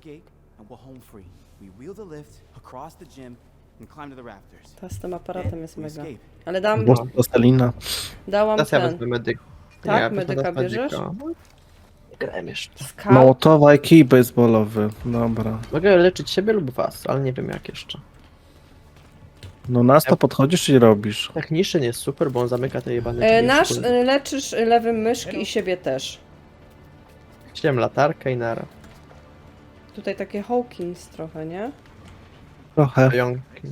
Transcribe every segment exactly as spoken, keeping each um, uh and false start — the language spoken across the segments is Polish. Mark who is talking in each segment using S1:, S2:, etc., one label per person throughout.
S1: gate and we're home free. We wheel the lift across the gym and climb to the rafters.
S2: Ta z tym aparatem
S1: Then
S2: jest
S1: we
S2: mega.
S1: escape.
S2: Ale dam,
S3: Boże, plastelina.
S2: dałam
S4: Teraz ja
S2: ten.
S4: wezmę medyk.
S2: Tak?
S4: Nie, ja
S2: Medyka
S4: wezmę
S2: bierzesz?
S4: medyka. Nie grałem jeszcze.
S2: Scout?
S3: Mołotowa i kij baseballowy. Dobra.
S4: Mogę leczyć siebie lub was, ale nie wiem jak jeszcze.
S3: No nas to podchodzisz i robisz.
S4: Techniczny jest super, bo on zamyka te jebane
S2: E,
S4: drzwi.
S2: nasz
S4: Kurde.
S2: e, leczysz lewym myszki i siebie też.
S4: Chciałem latarkę i nara.
S2: Tutaj takie Hawkins trochę, nie?
S3: Trochę.
S4: Pająki.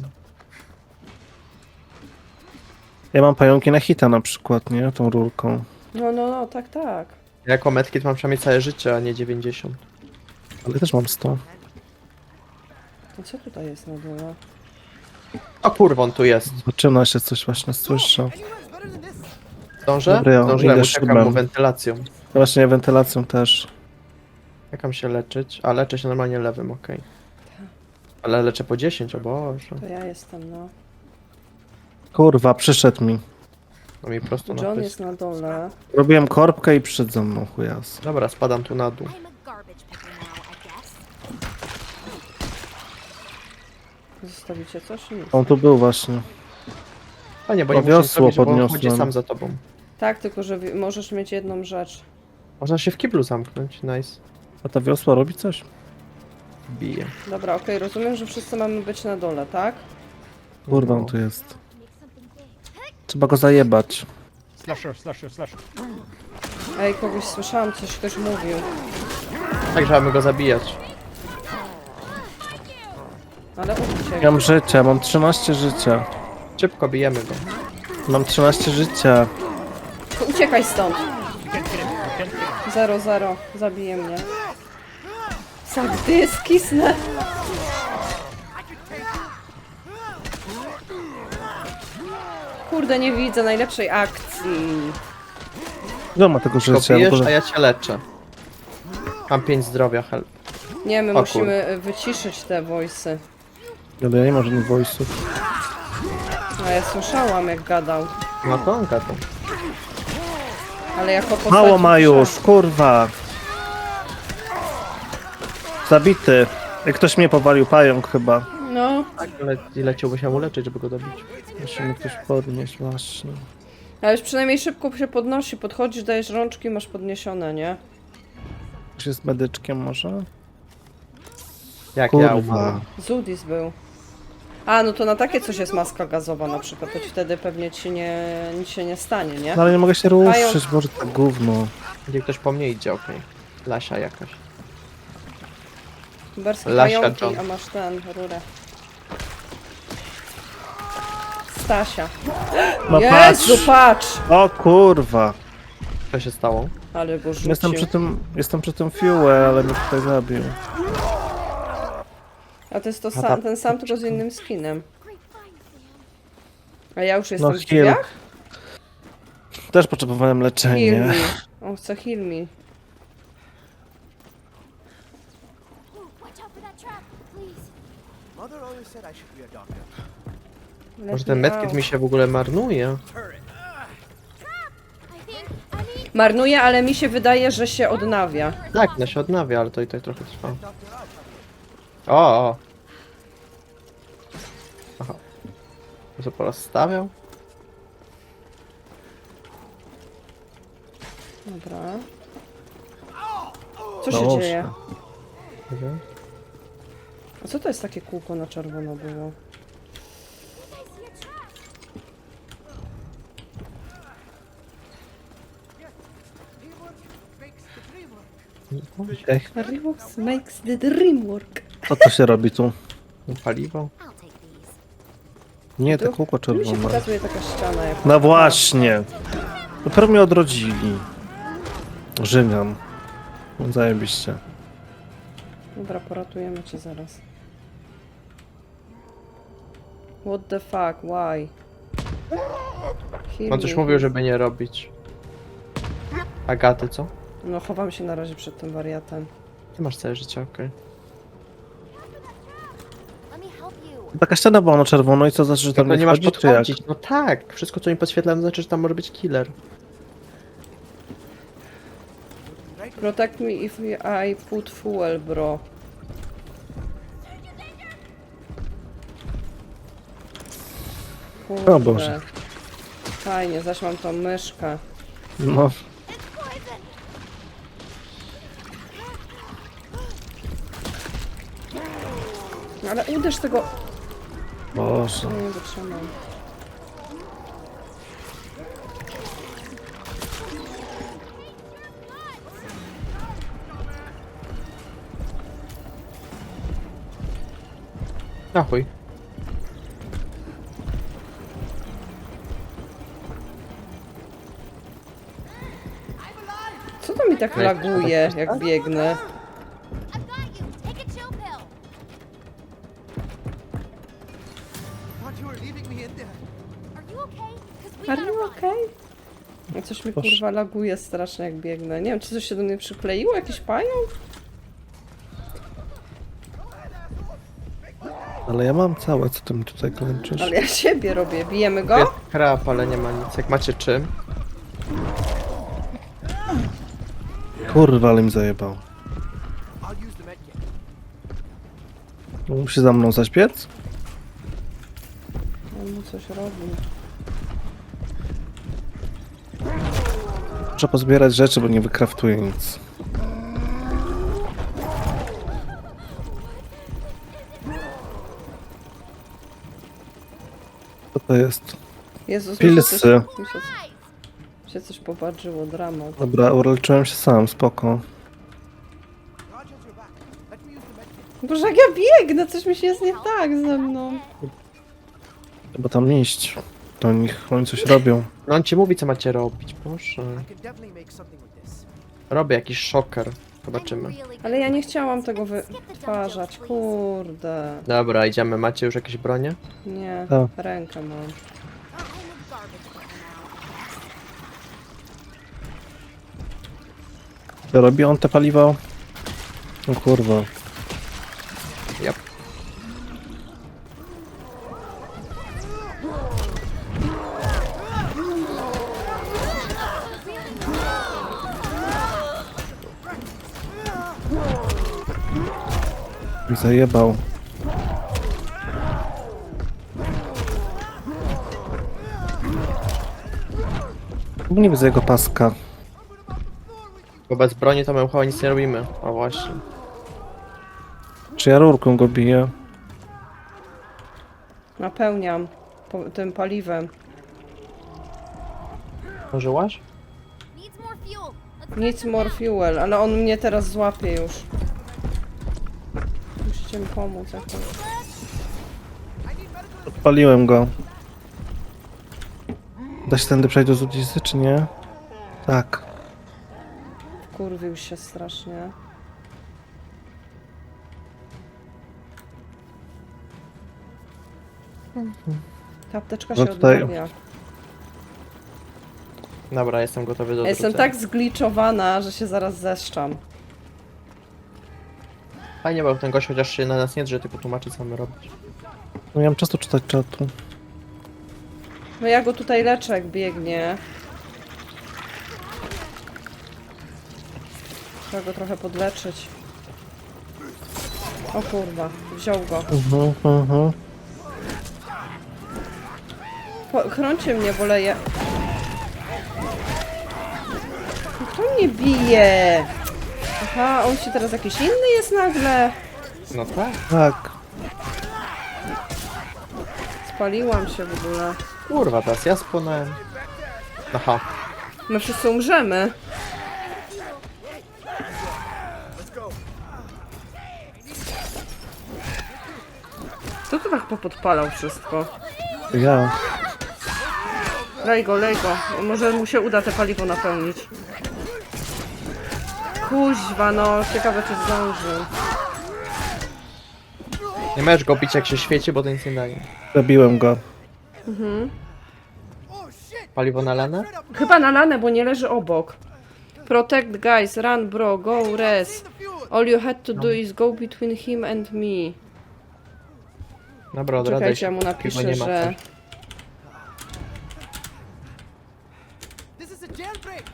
S3: Ja mam pająki na hita na przykład, nie? Tą rurką.
S2: No, no, no, tak, tak.
S4: Ja jako medkit mam przynajmniej całe życie, a nie dziewięćdziesiąt.
S3: Ale też mam sto.
S2: To co tutaj jest na dole?
S4: O kurwa, on tu jest.
S3: Zaczyna się coś właśnie, słyszę.
S4: Zdążę?
S3: Dobra, ja
S4: Zdążyłem,
S3: idę
S4: uciekam
S3: szybem.
S4: mu wentylacją.
S3: Właśnie wentylacją też.
S4: Jak mam się leczyć? A, leczę się normalnie lewym, okej. Ale leczę po dziesięć, o Boże.
S2: To ja jestem, no.
S3: Kurwa, przyszedł mi.
S4: No mi prosto na
S2: John
S4: pysk.
S2: jest na dole.
S3: Robiłem korbkę i przyszedł za mną, chujas.
S4: Dobra, spadam tu na dół.
S5: I'm a garbage picker now, I guess.
S2: Zostawicie coś? Nic.
S3: On tu był właśnie.
S4: Panie, bo nie
S3: O,
S4: muszę nic
S3: wiosło
S4: robić, bo on
S3: podniosłem.
S4: chodzi sam za tobą.
S2: Tak, tylko że wi- możesz mieć jedną rzecz.
S4: Można się w kiblu zamknąć, nice.
S3: A ta wiosła robi coś?
S4: Bije.
S2: Dobra, okej, rozumiem, że wszyscy mamy być na dole, tak?
S3: Kurwa,
S4: No.
S3: on tu jest. Trzeba go zajebać.
S6: Slasher, slasher, slasher.
S2: Ej, kogoś słyszałam, coś ktoś mówił.
S4: Tak, że mamy go zabijać.
S2: Ale uciekł.
S3: Ja mam życia, mam trzynaście życia.
S4: Szybko bijemy go.
S3: Mam trzynaście życia.
S2: To uciekaj stąd. Zero, zero. Zabije mnie. Sagdy, skisnę. Kurde, nie widzę najlepszej akcji.
S3: Ile ma tego
S4: Szybko
S3: życia? W
S4: bijesz, a
S3: ogóle...
S4: ja cię leczę. Mam pięć zdrowia, help.
S2: Nie, my
S4: O
S2: musimy y, wyciszyć te voice'y.
S3: Ale ja nie mam żadnych voice'ów.
S2: A ja słyszałam jak gadał.
S4: No to on gadał.
S2: Ale jako postać...
S3: Mało ma już, kurwa. Zabity. Jak ktoś mnie powalił, pająk chyba.
S2: No,
S4: Tak, ale ile chciałby się mu leczyć, żeby go dobić?
S3: Musimy ktoś podnieść właśnie.
S2: ale już przynajmniej szybko się podnosi. Podchodzisz, dajesz rączki, masz podniesione, nie?
S3: Ktoś jest medyczkiem może?
S4: Jak ja
S3: Kurwa.
S4: umarłem.
S2: Zudis był. A, no to na takie coś jest maska gazowa na przykład, to ci wtedy pewnie ci nie, nic się nie stanie, nie?
S3: No ale nie mogę się ruszyć, może to gówno.
S4: Gdzie ktoś po mnie idzie, okej. Lasia jakaś.
S2: Berskie
S4: Lasia
S2: pająki,
S4: John.
S2: a masz ten, rurę. Stasia.
S3: No
S2: Jezu,
S3: patrz!
S2: patrz!
S3: O kurwa!
S4: Co się stało?
S2: Ale go rzucił.
S3: Jestem przy tym, jestem przy tym fuel, ale mnie tutaj zabił.
S2: A to jest to
S4: A
S2: sam,
S4: ta-
S2: ten sam, tylko z innym skinem. A ja już
S3: No
S2: jestem w
S3: heal.
S2: drzwiach?
S3: Też potrzebowałem
S2: Heal
S3: leczenia.
S2: me. On chce heal me.
S5: Watch out for that trap, please.
S1: Mother always said I should be a doctor.
S2: Let
S4: Może ten
S2: me
S4: medkit
S2: out.
S4: mi się w ogóle marnuje?
S5: I think, I mean,
S2: Marnuje, ale mi się wydaje, że się odnawia.
S4: Tak, no się odnawia, ale to i tak trochę trwa. O, o. Aha. Co porozstawiał?
S2: Dobra. Co się
S3: Dobrze.
S2: dzieje?
S4: Nie wiem.
S2: A co to jest takie kółko na czerwono było?
S3: Ej,
S2: Revox makes the dream work.
S3: co to się robi tu?
S4: Paliwo?
S5: I'll take these.
S3: Nie, te
S2: Tu-
S3: kółko
S2: Tu mi się
S3: czerwone.
S2: pokazuje taka ściana. Jak...
S3: No właśnie. Dopiero mnie odrodzili. Żygam. No zajebiście.
S2: Dobra, poratujemy cię zaraz. What the fuck, why? Heal
S4: On coś
S2: me.
S4: mówił, żeby nie robić. Agaty, co?
S2: No chowam się na razie przed tym wariatem.
S4: Ty masz całe życie, okej.
S5: Let me help you.
S3: Taka ściana była na czerwono i co znaczy, że tam
S4: Tylko
S3: nie
S4: nie masz
S3: wchodzi, czy jak?
S4: podchodzić. No tak, wszystko co mi podświetla, to znaczy, że tam może być killer.
S2: Protect me if I put fuel, bro. Kurde.
S3: O Boże.
S2: Fajnie, zaś mam tą myszkę.
S3: No,
S2: Ale uderz tego...
S3: Boże.
S2: Nie wytrzymam.
S4: Na chuj.
S2: Co to mi tak laguje, jak biegnę?
S5: I've got you. Take a chill pill.
S1: Thought you were leaving me in there.
S5: Are you okay? Because we
S2: Are
S5: gotta
S2: you
S5: run.
S2: okay? No coś mi kurwa laguje strasznie, jak biegnę. Nie wiem, czy coś się do mnie przykleiło? Jakiś pająk?
S3: Ale ja mam całe, co ty mi tutaj kończysz?
S2: Ale ja siebie robię. Bijemy
S4: Jest
S2: go?
S4: krab, ale nie ma nic. Jak macie czym?
S3: Kurwa, ale mi zajebał.
S1: I'll use the medkit.
S3: Musi za mną zaśpiec?
S2: On mu coś robi.
S3: Muszę pozbierać rzeczy, bo nie wykraftuję nic. Co to jest?
S2: Jezus, mi się coś,
S3: Pilsy.
S2: mi się, mi się coś popatrzyło, dramat.
S3: Dobra, uleczyłem się sam, spoko.
S1: Rogers, you're back. Let me use the medkit.
S2: Boże, jak ja biegnę, coś mi się jest nie tak ze mną.
S3: Chyba tam iść. To niech oni coś robią.
S4: No on ci mówi, co macie robić, proszę.
S1: I can definitely make something with this.
S4: Robię jakiś szoker. Zobaczymy.
S5: I'm really
S2: Ale ja nie chciałam tego wytwarzać, kurde.
S4: Dobra, idziemy. Macie już jakieś bronie?
S2: Nie,
S3: Tak.
S2: rękę mam.
S5: I'm in garbage right now.
S3: To robi on te paliwo? O kurwa.
S4: Yep.
S3: Mi zajebał. Nie widzę jego paska.
S4: Bo bez broni to my chyba nic nie robimy. O właśnie.
S3: Czy ja rurką go biję?
S2: Napełniam po, tym paliwem.
S4: Użyłaś?
S5: Needs more fuel. Let's
S2: Nic more fuel, ale on mnie teraz złapie już. Musicie mi pomóc jakoś.
S3: Odpaliłem go. Da się tędy przejść do Zudizy, czy nie? Tak.
S2: Kurwił się strasznie. Ta apteczka
S3: No
S2: się
S3: tutaj-
S2: odnawia.
S4: Dobra, jestem gotowy do
S2: Ja jestem
S4: odwrócenia.
S2: tak zgliczowana, że się zaraz zeszczam.
S4: Fajnie, bo ten gość chociaż się na nas nie drze, tylko tłumaczy, co mamy robić.
S3: No ja mam czasu czytać czatu.
S2: No ja go tutaj leczę, jak biegnie. Trzeba go trochę podleczyć. O kurwa, wziął go.
S3: Mhm, mhm.
S2: Po, chrońcie mnie, bo leję. Kto mnie bije? Aha, on się teraz jakiś inny jest nagle.
S4: No tak.
S3: Tak.
S2: Spaliłam się w ogóle.
S4: Kurwa, teraz ja spłonąłem. Aha.
S2: My wszyscy umrzemy. Kto to tak popodpalał wszystko?
S3: Ja.
S2: Lej go, lej go. Może mu się uda te paliwo napełnić. Kuźwa, no. Ciekawe, czy zdąży.
S4: Nie możesz go bić, jak się świeci, bo to nic nie daje.
S3: Zabiłem go.
S1: Oh shit!
S4: Paliwo nalane?
S2: Chyba nalane, bo nie leży obok. Protect guys, run bro, go res. All you had to do is go between him and me.
S4: Dobra, odradzaj
S2: Czekajcie,
S4: się.
S2: ja mu
S4: Piwo
S2: napiszę,
S4: nie ma
S2: że...
S4: co.
S1: This is a jailbreak!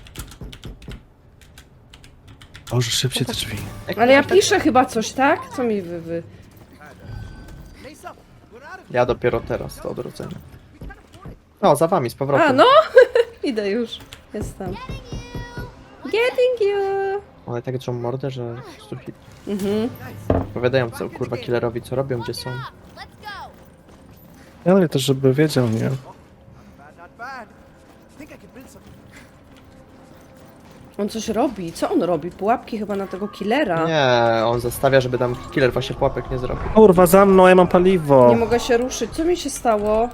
S3: Boże, szybciej te drzwi.
S2: Ale ja piszę chyba coś, tak? Co mi wy... wy...
S1: Lace up! We're out of
S4: Ja dopiero teraz to odwrócenie. No, za wami, z powrotem.
S2: A, no! Idę już. Jestem. Getting you!
S4: One tak drzą mordę, że po prostu hit.
S2: Mhm.
S4: Powiadają co, kurwa, killerowi, co robią, gdzie są.
S5: Let's go.
S3: Ale też, żeby wiedział, nie?
S1: Bad, not bad. Think I could build something.
S2: On coś robi. Co on robi? Pułapki chyba na tego killera.
S4: Nie, on zostawia, żeby tam killer właśnie pułapek nie zrobił.
S3: Kurwa, za mną, ja mam paliwo.
S2: Nie mogę się ruszyć. Co mi się stało?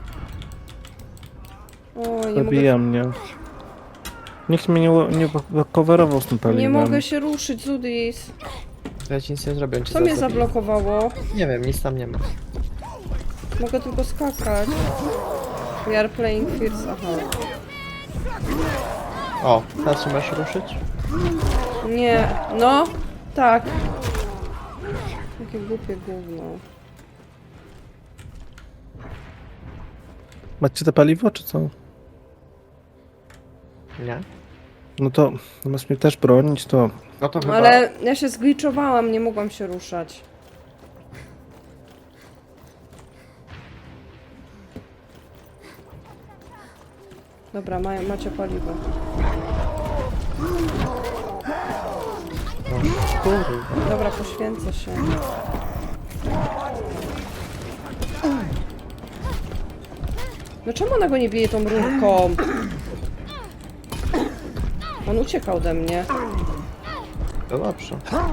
S2: O, nie mogę,
S3: Zabija mnie. Nikt mnie nie, nie coverował z tym paliwem.
S2: nie mogę się ruszyć, Zudis.
S4: To ja ci nic nie zrobię, on cię
S2: Co mnie
S4: zaraz zabije.
S2: zablokowało?
S4: Nie wiem, nic tam nie ma.
S2: Mogę tylko skakać. We are playing Fears. Aha.
S4: O, teraz się masz ruszyć?
S2: Nie. No. Tak. Jakie głupie gówno.
S3: Macie te paliwo, czy co?
S4: Nie?
S3: No to zamiast mnie też bronić, to...
S4: No to chyba...
S2: Ale ja się zgliczowałam, nie mogłam się ruszać. Dobra, ma, macie paliwo.
S4: Kurwa.
S2: Dobra, poświęcę się. No czemu ona go nie bije tą rurką? On uciekał ode mnie.
S4: No dobrze.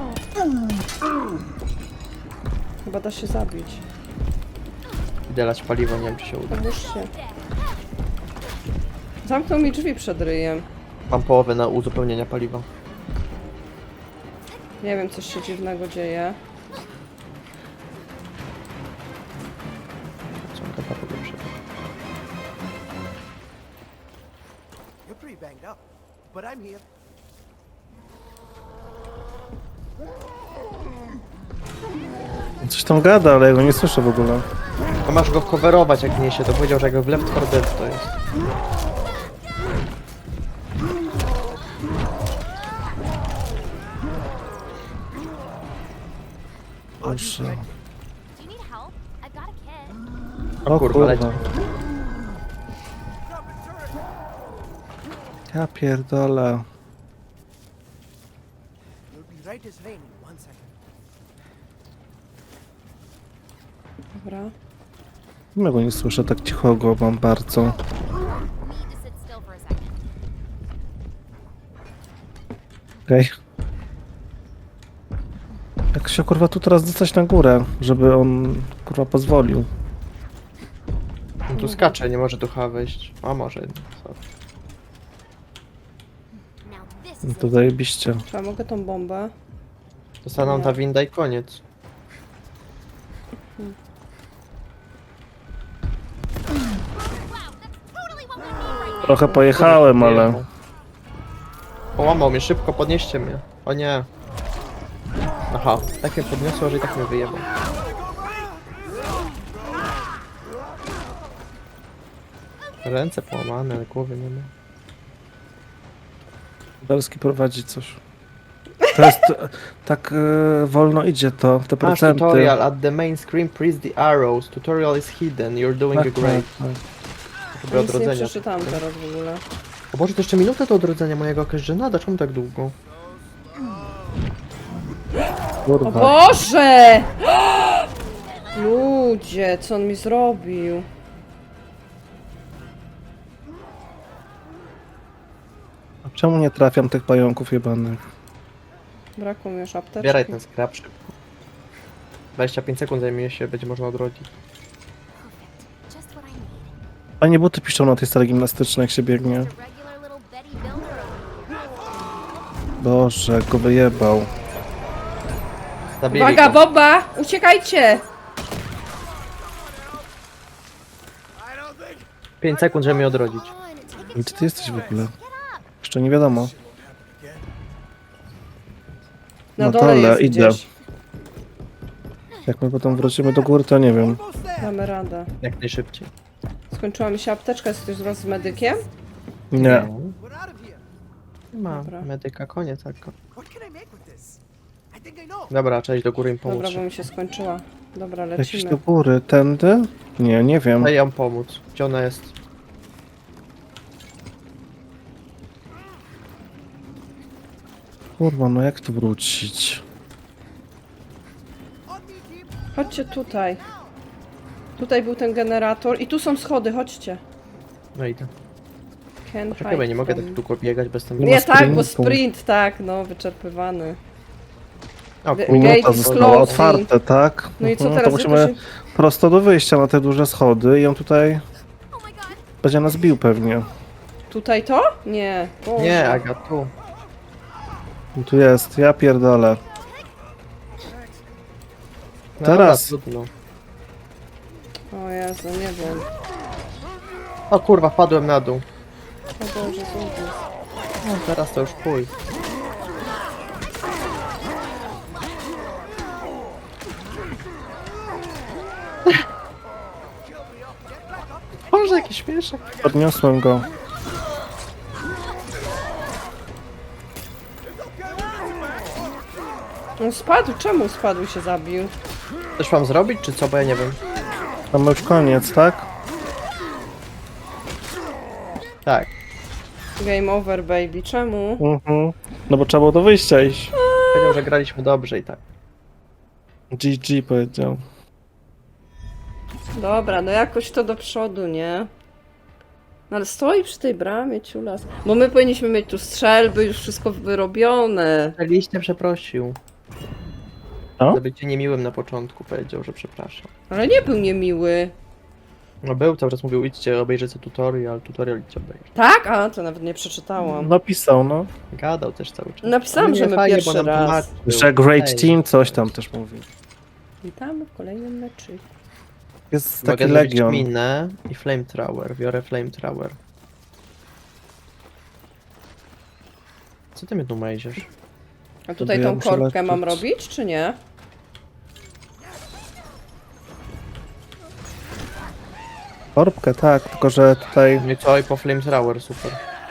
S2: Chyba da się zabić.
S4: Idę lać paliwo, nie wiem czy się uda.
S2: Pomóżcie. Zamknął mi drzwi przed ryjem.
S4: Mam połowę na uzupełnienia paliwa.
S2: Nie wiem, coś się dziwnego dzieje.
S4: Ciągle patrzę do przodu.
S1: You're pretty banged up, but I'm here.
S3: Coś tam gada, ale ja go nie słyszę w ogóle.
S4: No masz go coverować jak niesie, to powiedział, że jak w Left four Dead to jest.
S3: Proszę.
S5: Do you need help? I've got a kit.
S3: O
S4: kurwa,
S3: kurwa.
S4: leci.
S3: Ja pierdolę.
S1: You'll be right as rain in one second.
S2: Dobra.
S3: Ja go nie słyszę, tak cicho go mam bardzo.
S5: Need to sit still for a second.
S3: Okej. Jak się kurwa tu teraz dostać na górę, żeby on kurwa pozwolił.
S4: On tu skacze, nie może tu chyba wejść. A może jednak. Sorry.
S5: Now this
S3: No
S5: is
S3: to
S5: it.
S3: zajebiście.
S2: Czy ja mogę tą bombę?
S4: Zostaną ta winda i koniec.
S5: Totally what we need right now.
S3: Trochę pojechałem, ale...
S4: Połamał mnie, szybko, podnieście mnie. O nie. Aha, tak mnie podniosło, że i tak mnie wyjebał. Ręce połamane, ale głowy nie ma.
S3: Belski prowadzi coś. To jest... tak e, wolno idzie to, te
S4: Masz
S3: procenty.
S4: tutorial, at the main screen press the arrows. Tutorial is hidden, you're doing
S3: Tak,
S4: a great.
S3: tak, tak.
S4: Chyba
S2: Nic nie
S4: odrodzenia.
S2: przeczytałam teraz w ogóle.
S4: O Boże, to jeszcze minutę do odrodzenia mojego jakaś żenada, czemu tak długo?
S2: O
S3: Kurwa.
S2: Boże! Ludzie, co on mi zrobił?
S3: A czemu nie trafiam tych pająków jebanych?
S2: Brakło mi już apteczki.
S4: Zbieraj ten skrap szybko. dwadzieścia pięć sekund zajmie się, będzie można odrodzić.
S5: Perfect. Just what I need.
S3: Fajnie buty piszczą na tej sali gimnastycznej, jak się biegnie.
S5: Just a regular little Betty Builder over here.
S3: Boże, jak go wyjebał.
S4: Zabili
S2: Uwaga,
S4: go.
S2: bomba! Uciekajcie!
S4: pięć sekund, żeby mnie odrodzić.
S5: On, take
S3: I
S5: it
S3: gdzie ty jesteś w ogóle?
S5: Get up.
S3: Jeszcze nie wiadomo.
S2: Na
S3: Na
S2: dole
S3: dole,
S2: jest
S3: idę.
S2: gdzieś.
S3: Jak my potem wrócimy do góry, to nie wiem.
S1: Almost there.
S2: Damy radę.
S4: Jak najszybciej.
S2: Skończyła mi się apteczka, jest ktoś z was z medykiem?
S3: Nie.
S1: We're out of here.
S4: Nie ma
S2: Dobra.
S4: medyka, koniec tak.
S1: What can I make with this? I think I know.
S4: Dobra, trzeba iść do góry im pomóc.
S2: Dobra, bo mi się skończyła. Dobra,
S3: Jakieś
S2: lecimy.
S3: do góry, tędy? Nie, nie wiem.
S4: Daj ją pomóc. Gdzie ona jest?
S3: Kurwa, no jak tu wrócić?
S2: Chodźcie tutaj. Tutaj był ten generator i tu są schody, chodźcie.
S4: No idę.
S2: Can
S4: Czekaj, bo ja nie
S2: hide
S4: mogę
S2: from-
S4: tak długo biegać bez tym...
S3: Nie
S2: Nie
S3: ma
S2: tak, bo
S3: sprintu.
S2: sprint, tak, no, wyczerpywany.
S4: O,
S2: Gate
S4: kurwa.
S3: Minuta
S2: is
S3: została
S2: closing.
S3: otwarte, tak?
S2: No i co
S3: Mhm,
S2: teraz?
S3: To
S2: Jak
S3: musimy
S2: to się-
S3: prosto do wyjścia na te duże schody i on tutaj
S5: Oh my god.
S3: będzie nas bił pewnie.
S2: Tutaj to? Nie. Boże.
S4: Nie, Aga, tu.
S3: I tu jest, ja pierdolę.
S4: No
S3: Teraz.
S4: Dobra, trudno.
S2: O Jezu, nie wiem.
S4: O kurwa, wpadłem na dół.
S2: O Boże, zobacz.
S4: No teraz to już pój. Boże, jaki śmieszek.
S3: Podniosłem go.
S2: On spadł, czemu spadł i się zabił?
S4: Coś mam zrobić, czy co? Bo ja nie wiem.
S3: Mamy już koniec, tak?
S4: Tak.
S2: Game over, baby. Czemu?
S3: Mhm. No bo trzeba było do wyjścia iść.
S4: Powiedział, że graliśmy dobrze i tak.
S3: G G powiedział.
S2: Dobra, no jakoś to do przodu, nie? No ale stoi przy tej bramie, ciulas. Bo my powinniśmy mieć tu strzelby, już wszystko wyrobione.
S4: Liście przeprosił.
S3: Co?
S4: Za bycie niemiłym na początku powiedział, że przepraszam.
S2: Ale nie był niemiły.
S4: No był, cały czas mówił, idźcie, obejrzyjcie tutorial, tutorial idźcie obejrzeć.
S2: Tak? A, to nawet nie przeczytałam.
S3: Napisał, no.
S4: Gadał też cały czas.
S2: Napisałam,
S4: Ale
S2: że
S4: nie,
S2: my
S4: fajnie,
S2: pierwszy
S4: bo nam
S2: raz.
S4: tłumaczył.
S3: Że great
S4: Ej,
S3: team, coś tam też mówi.
S2: Witamy w kolejnym meczu.
S3: Jest
S4: Mogę
S3: taki
S4: zrobić
S3: legion.
S4: minę i flamethrower. Biorę flamethrower. Co ty mnie tu mejziesz?
S2: A tutaj
S3: ja
S2: tą
S3: muszę
S2: korbkę mam
S3: leczyć.
S2: robić, czy nie?
S3: Korbkę, tak, tylko że tutaj...
S4: Nie co, i po flamethrower, super.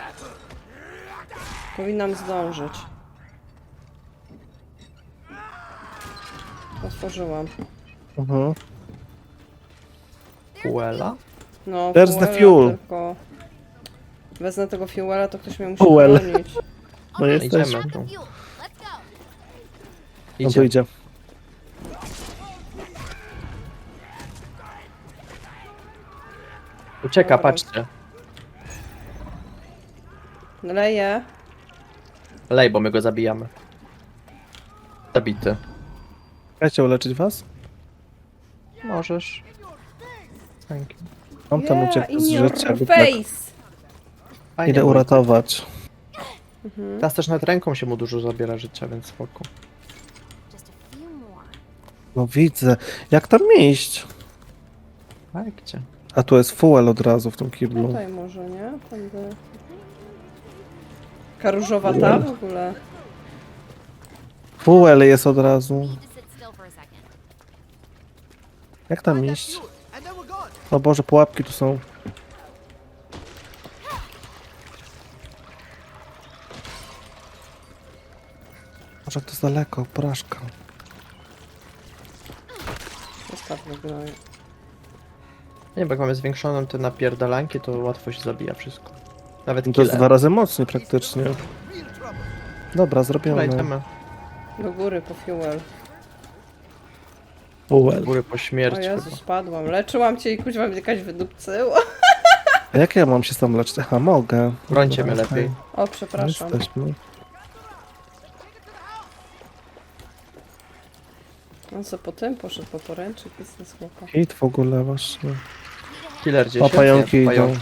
S2: Powinnam zdążyć. Otworzyłam.
S3: Mhm.
S4: Fuela?
S2: No,
S3: There's the
S2: fuela
S3: fuel.
S2: Tylko... Wezmę tego fuela, to ktoś mnie musi
S3: Fuel.
S2: bronić.
S3: No jesteś.
S4: Idziemy tu.
S5: Fuel. Let's go.
S3: No to
S4: Idzie.
S3: idzie.
S4: Ucieka,
S2: Dobra.
S4: patrzcie.
S2: Leję.
S4: Lej, bo my go zabijamy. Zabity.
S3: Chcecie uleczyć was?
S4: Możesz. Thank you.
S3: On tam
S2: Yeah,
S3: uciekł
S2: in
S3: z
S2: your
S3: życia. lub
S2: face!
S4: Fajnie,
S3: Idę
S4: bo
S3: uratować.
S4: teraz też nad ręką się mu dużo zabiera życia, więc spoko.
S5: Just a few more.
S3: No widzę. Jak tam iść?
S4: Tak, gdzie?
S3: A tu jest fuel od razu w tym kiblu.
S2: Tutaj może, nie? Tędy. Karużowa ta w ogóle.
S3: Fuel jest od razu.
S5: Need to sit still for a second.
S3: Jak tam iść? O Boże, pułapki tu są. Może to jest daleko, porażka.
S2: Ostatnio gnoju.
S4: Nie, bo jak mamy zwiększoną te napierdalanki, to łatwo się zabija wszystko. Nawet
S3: No to jest
S4: killer.
S3: dwa razy mocniej praktycznie. Dobra, zrobione.
S4: Idziemy.
S2: Do góry po fuel.
S4: Z
S3: Fuel.
S4: góry po
S2: O
S4: śmierci.
S2: Jezu,
S4: chyba.
S2: spadłam. Leczyłam cię i kuźwa mnie jakaś wydupcyła.
S3: A jak ja mam się tam leczyć? Aha, mogę.
S4: Brońcie
S3: Dobra,
S4: mnie lepiej.
S2: O,
S3: okej.
S2: przepraszam.
S3: Jesteśmy.
S2: On co po tym poszedł po poręczyk i z chłopa.
S3: Hit w ogóle właśnie.
S4: Killer gdzieś
S3: O,
S4: jest?
S3: pająki
S4: Nie,
S3: idą.
S4: pająki.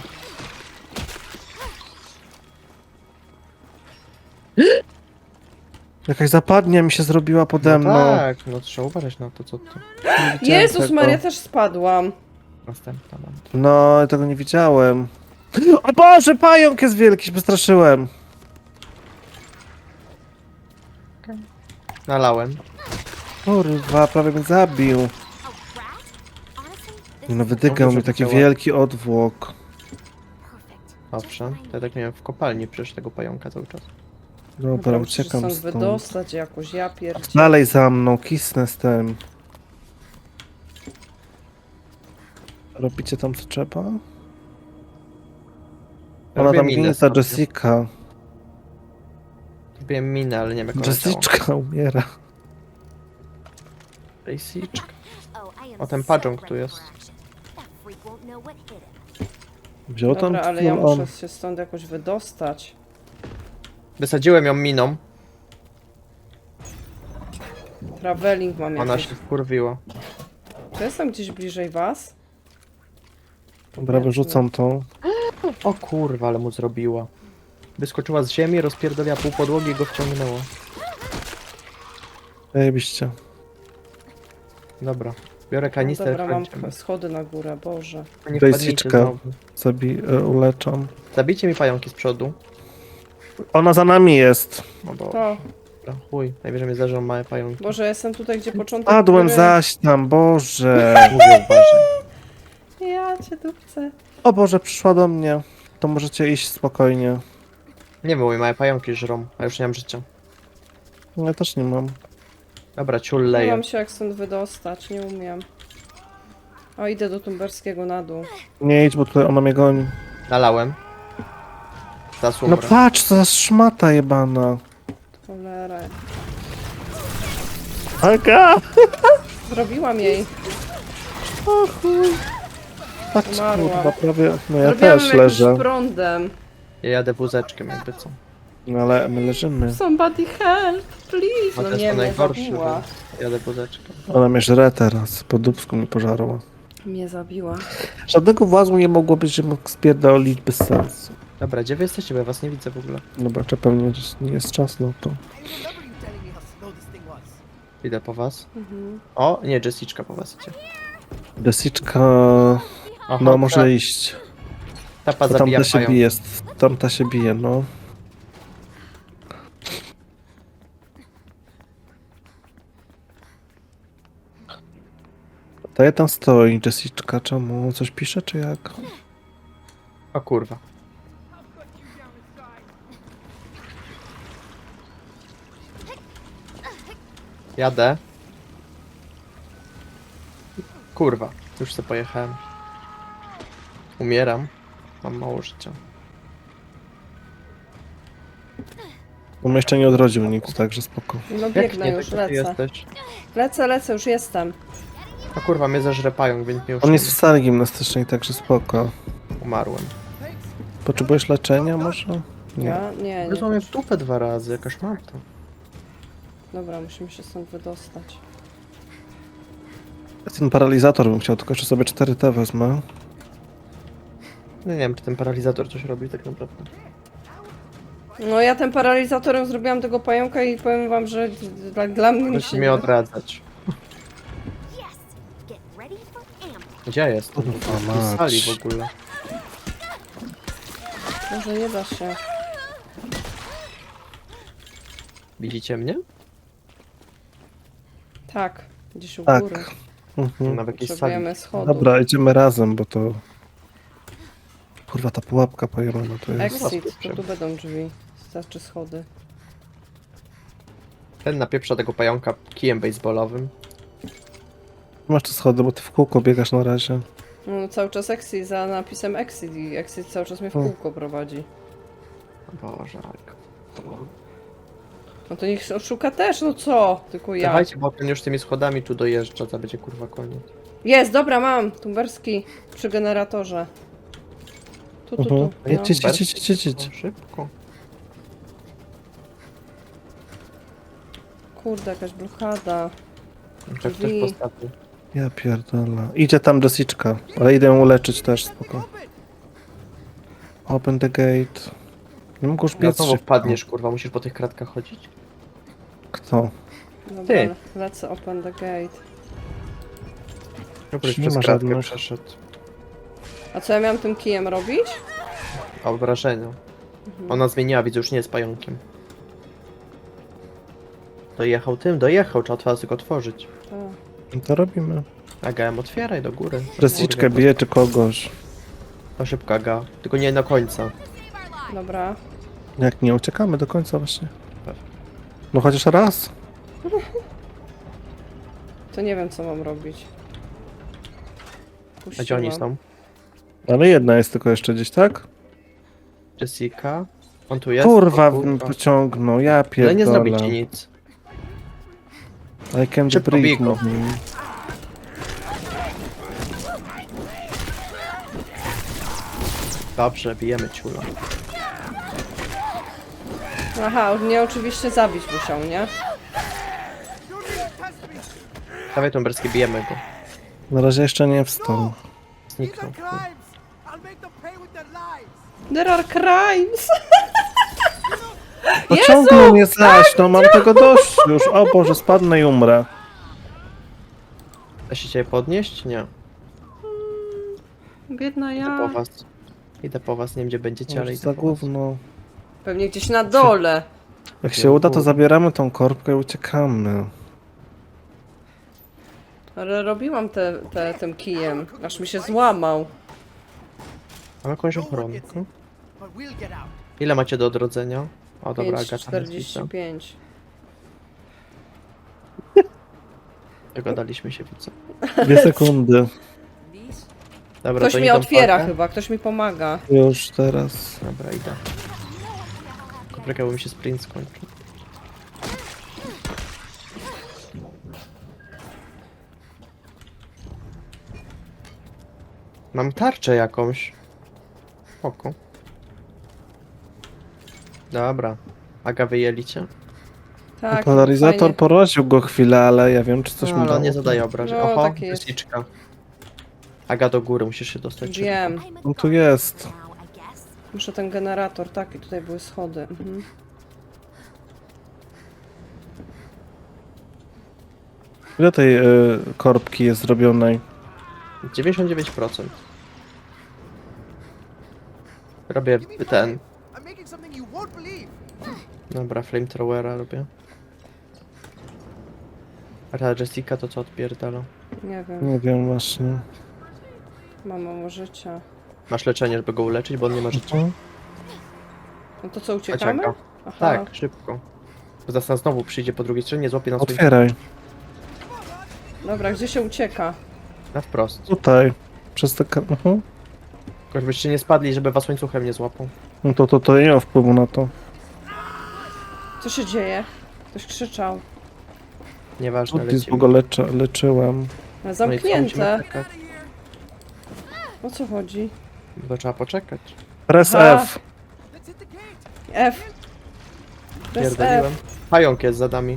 S3: Jakaś zapadnia mi się zrobiła pode mną.
S4: No tak, no trzeba uważać na to, co tu.
S3: Nie widziałem
S2: Jezus
S3: tego.
S2: Maria, też spadłam.
S4: Następna mam.
S3: No, tego nie widziałem. O Boże, pająk jest wielki, się przestraszyłem.
S4: Nalałem.
S3: Kurwa, prawie mnie zabił.
S5: A rat? Honestly, this
S3: No
S5: is
S3: wydygał
S4: Dobrze,
S3: mi taki
S4: widziała.
S3: wielki odwłok.
S5: perfect.
S4: Owszem, to ja tak miałem w kopalni przecież tego pająka cały czas.
S3: Dobra,
S2: muszę się
S3: uciekam
S2: stąd
S3: stąd.
S2: wydostać jakoś, ja pierdzie.
S3: Dalej za mną, kisnę z tym. Robicie tam co trzeba? Ona
S4: Robię
S3: tam
S4: minę
S3: ginie ta
S4: sobie.
S3: Jessica.
S4: Kupiłem minę, ale nie wiem jak ona działa.
S3: Jessica umiera.
S4: Jessica.
S5: Oh, I am
S4: O, ten
S5: so
S4: padżong tu
S5: ready
S4: jest.
S5: for action. That freak won't know what hit him.
S3: Wziął tam
S2: Dobra, ale ja
S3: full on.
S2: muszę się stąd jakoś wydostać.
S4: Wysadziłem ją miną,
S2: Traveling mam
S4: ona
S2: jakiś.
S4: się wkurwiła.
S2: Czy jestem gdzieś bliżej was?
S3: Dobra, wyrzucam tą.
S4: O kurwa, ale mu zrobiła. Wyskoczyła z ziemi, rozpierdoliła pół podłogi i go wciągnęła.
S3: Zajebiście.
S4: Dobra. Biorę kanister,
S2: Dobra, mam
S4: wchodzimy.
S2: schody na górę, Boże.
S4: Nie wpadnijcie
S3: Jessica.
S4: znowu.
S3: Zabi e, uleczam.
S4: Zabijcie mi pająki z przodu.
S3: Ona za nami jest.
S4: No bo,
S2: To,
S4: dobra, chuj, najwyżej mnie zdarzą małe pająki.
S2: Boże, jestem tutaj, gdzie początek
S3: Padłem
S2: góry.
S3: zaś tam, Boże.
S4: Mówię, uważaj.
S2: Ja cię dupcę.
S3: O Boże, przyszła do mnie. To możecie iść spokojnie.
S4: Nie wiem, moje małe pająki żrą, a już nie mam życia.
S3: Ja też nie mam.
S4: Dobra, ciul
S2: Nie
S4: leje.
S2: mam się jak stąd wydostać, nie umiem. O, idę do Tumberskiego na dół.
S3: Nie idź, bo tutaj ona mnie goni.
S4: Nalałem. Zaraz
S3: No
S4: umrę.
S3: patrz, co za szmata jebana.
S2: Cholera.
S3: Aga!
S2: Zrobiłam jej.
S3: O chuj. Tak,
S2: Umarła.
S3: kurwa, prawie. No ja
S2: Zrobiłam
S3: też
S2: jakimś
S3: leżę.
S2: prądem.
S4: Ja jadę wózeczkiem jakby co.
S3: No ale my leżymy.
S2: Somebody help, please.
S4: No
S2: No
S4: to jest
S2: nie,
S4: to
S2: mnie
S4: najgorsze,
S2: zabiła.
S4: bo jadę wózeczkiem.
S3: Ona mnie żre teraz. Po dupsku mi pożarła.
S2: Mnie zabiła.
S3: Żadnego włazu nie mogło być, że mógł spierdolić bez sensu.
S4: Dobra, gdzie wy jesteście, bo ja was nie widzę w ogóle.
S3: Dobra, czy pewnie nie jest czas na to.
S1: I remember you telling me how slow this thing was.
S4: Idę po was.
S2: Mhm.
S4: O, nie, Jessica po was idzie.
S3: Jessica...
S4: Aha,
S3: No może
S4: ta,
S3: iść.
S4: Tapa
S3: To
S4: zabija
S3: tamta się
S4: pająk.
S3: bije. Tamta się bije, no. To ja tam stoi, Jessica. Czemu? Coś pisze, czy jak?
S4: O kurwa. Jadę. Kurwa, już sobie pojechałem. Umieram. Mam mało życia.
S3: On mnie jeszcze nie odrodził nikt, także spoko.
S2: No
S4: Jak
S2: biegnę
S4: nie,
S2: już,
S4: ty
S2: lecę.
S4: jesteś?
S2: Lecę, lecę, już jestem.
S4: A kurwa, mnie zażre pająk, więc mnie już
S3: On
S4: nie-
S3: jest w sali gimnastycznej, także spoko.
S4: umarłem.
S3: Potrzebujesz leczenia może? Nie.
S2: Ja? Nie,
S4: Już
S2: nie.
S4: mnie w dupę dwa razy, jakaś marta.
S2: Dobra, musimy się stąd wydostać.
S3: Ten paralizator bym chciał, tylko że sobie cztery T wezmę.
S4: No nie wiem, czy ten paralizator coś robi tak naprawdę.
S2: No ja tym paralizatorem zrobiłam tego pająka i powiem wam, że dla, dla mnie
S4: Musi
S2: się
S4: mnie
S2: nie...
S4: odradzać.
S5: Yes! Get ready for ambush.
S4: Gdzie jest?
S3: Kurwa
S4: W
S3: mać.
S4: sali w ogóle.
S2: Może nie da się.
S4: Widzicie mnie?
S2: Tak, gdzieś u
S3: Tak.
S2: góry.
S3: Mhm.
S4: Na jakiejś sali.
S2: Potrzebujemy schodów.
S3: Dobra, idziemy razem, bo to... Kurwa, ta pułapka pojemna to jest.
S2: Exit, to tu będą drzwi. Znaczy schody.
S4: Ten napieprza tego pająka kijem baseballowym.
S3: Masz te schody, bo ty w kółko biegasz na razie.
S2: No, cały czas exit za napisem exit i exit cały czas mnie w
S3: O.
S2: kółko prowadzi.
S4: Boże, jak.
S2: No to niech szuka też, no co? Tylko ja.
S4: Dawajcie, bo ten już tymi schodami tu dojeżdża, to będzie kurwa koniec.
S2: Jest, dobra, mam. Tumberski przy generatorze. Tu, tu,
S3: Mhm.
S2: tu. No.
S3: Jedź, jedź, jedź, jedź, jedź, jedź.
S4: O, szybko.
S2: Kurde, jakaś blokada.
S4: Jak ktoś
S2: Drzwi.
S4: postawił.
S3: Ja pierdolę. Idzie tam Jessica, ale idę ją uleczyć też, spoko. Open the gate. Nie mogę już
S4: No
S3: biec
S4: znowu
S3: szybko.
S4: wpadniesz, kurwa, musisz po tych kratkach chodzić.
S3: Kto?
S2: Dobra,
S4: Ty.
S2: lecę open the gate.
S4: Żebyś
S3: Nie
S4: przez
S3: ma
S4: kratkę
S3: żadnych.
S4: przeszedł.
S2: A co ja miałam tym kijem robić?
S4: A wrażenia.
S2: Mhm.
S4: Ona zmieniła, widzę, już nie jest pająkiem. Dojechał tym, dojechał, trzeba otworzyć, tylko otworzyć.
S2: A,
S3: No to robimy.
S4: Aga, otwieraj do góry.
S3: Jessica
S4: Kurwa,
S3: bije czy kogoś.
S4: To szybko, Aga. Tylko nie do końca.
S2: dobra.
S3: Jak nie, uciekamy do końca właśnie.
S4: Pewnie.
S3: No chociaż raz.
S2: To nie wiem, co mam robić.
S4: A gdzie oni
S2: Puściłam.
S4: są?
S3: Ale jedna jest tylko jeszcze gdzieś, tak?
S4: Jessica. On tu jest?
S3: Kurwa,
S4: O, kurwa.
S3: pociągnął, ja
S4: Ale nie zrobi ci
S3: pierdolę.
S4: nic.
S3: I can
S4: Szybko
S3: break,
S4: bij go.
S3: mówi.
S4: Dobrze, bijemy ciula.
S2: Aha, mnie oczywiście zabić musiał, nie?
S4: Dawaj Tumberski, bijemy go.
S3: Na razie jeszcze nie wstał.
S4: Zniknął.
S2: There are crimes!
S3: Pociągnął mnie zaś, no mam tego dość już. O Boże, spadnę i umrę.
S4: Da się cię podnieść? Nie.
S2: Biedna
S4: Idę po
S2: ja.
S4: was. Idę po was, nie wiem gdzie będziecie, ale
S3: Może
S4: idę
S3: za
S4: po was.
S3: gówno.
S2: Pewnie gdzieś na dole.
S3: Jak się uda, to zabieramy tą korbkę i uciekamy.
S2: Ale robiłam te, te, tym kijem, aż mi się złamał.
S4: Mam jakąś ochronkę. Ile macie do odrodzenia? O dobra,
S2: pięć
S4: Agata
S2: czterdzieści pięć.
S4: Dogadaliśmy się, widzę.
S3: Dwie sekundy.
S4: Dobra,
S2: Ktoś
S4: to
S2: mnie
S4: idą
S2: otwiera
S4: pakę.
S2: chyba, ktoś mi pomaga.
S3: Już teraz.
S4: Dobra, idę. Kopryka, bo mi się sprint skończył. Mam tarczę jakąś. Oko. Dobra. Aga, wyjęli cię?
S2: Tak,
S3: Polaryzator
S2: fajnie.
S3: poraził go chwilę, ale ja wiem, czy coś
S4: No,
S3: mu
S4: ale
S3: dało.
S4: on nie zadaje obrażeń.
S2: No,
S4: Oho,
S2: takie jest.
S4: lisiczka. Aga, do góry, musisz się dostać.
S2: Wiem.
S3: On tu jest.
S5: Now, I guess.
S2: Muszę ten generator, tak, i tutaj były schody. Mhm.
S3: Ile tej y, korbki jest zrobionej?
S4: dziewięćdziesiąt dziewięć procent. Robię ten.
S1: I'm making something you won't believe.
S4: Dobra, flamethrowera robię. A ta Jessica to co odpierdala?
S2: Nie wiem,
S3: Nie wiem właśnie.
S2: mam mało życia.
S4: Masz leczenie, żeby go uleczyć, bo on nie ma życia.
S3: Mhm.
S2: No to co, uciekamy?
S4: Aga.
S2: Aha.
S4: Tak, szybko. Bo zaraz nas znowu przyjdzie po drugiej stronie, złapie nas swoim-
S3: Otwieraj.
S2: Dobra, gdzie się ucieka?
S4: na wprost.
S3: Tutaj. Przez te... ka- Mhm.
S4: Tylko żebyście nie spadli, żeby was łańcuchem nie złapał.
S3: No to, to, to nie ma wpływu na to.
S2: Co się dzieje? Ktoś krzyczał.
S4: Nieważne,
S3: Udis, bo
S4: lecimy.
S3: go leczy, leczyłem.
S2: Ale
S4: No i co, musimy
S2: zamknięte.
S4: czekać?
S2: O co chodzi?
S4: Bo trzeba poczekać.
S3: Press
S2: Aha.
S3: F.
S1: Let's hit the gate.
S2: F. Bez
S4: Pierdoliłem.
S2: F.
S4: Pająk jest za nami.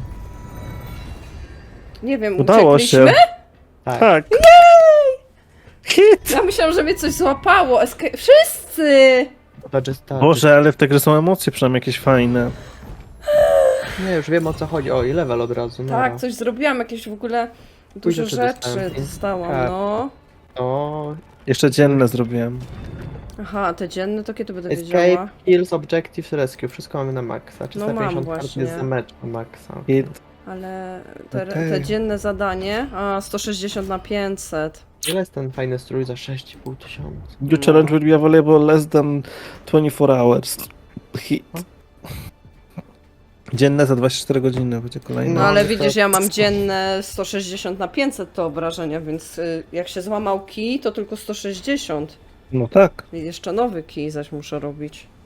S2: Nie wiem,
S3: Udało się.
S2: uciekliśmy?
S4: Tak.
S3: Tak. Hit!
S2: Ja myślałam, że mnie coś złapało. Esca- Wszyscy!
S4: To jest ta-
S3: Boże, ale w tej grze są emocje przynajmniej jakieś fajne.
S4: Nie, już wiem o co chodzi. O, i level od razu. No.
S2: Tak, coś zrobiłam, jakieś w ogóle dużo
S4: rzeczy
S2: rzeczy
S4: dostałem.
S2: dostałam,
S4: Tak.
S2: no.
S4: O,
S3: Jeszcze dzienne zrobiłem.
S2: Aha, te dzienne to kiedy będę
S4: escape,
S2: wiedziała?
S4: kills, objectives, rescue. Wszystko mamy na maksa.
S2: No mam
S4: trzysta pięćdziesiąt kart
S2: właśnie.
S4: jest za mecz na maksa.
S3: Hit.
S2: Ale te,
S3: Okej.
S2: te dzienne zadanie, a sto sześćdziesiąt na pięćset.
S4: Ile jest ten fajny strój za sześć i pół tysiąca?
S3: New challenge will be available less than twenty-four hours. Hit. Dzienne za dwadzieścia cztery godziny będzie kolejne.
S2: No
S4: No,
S2: ale
S4: to-
S2: widzisz, ja mam dzienne sto sześćdziesiąt na pięćset to obrażenia, więc y, jak się złamał kij, to tylko sto sześćdziesiąt.
S3: No tak.
S2: I jeszcze nowy kij zaś muszę robić.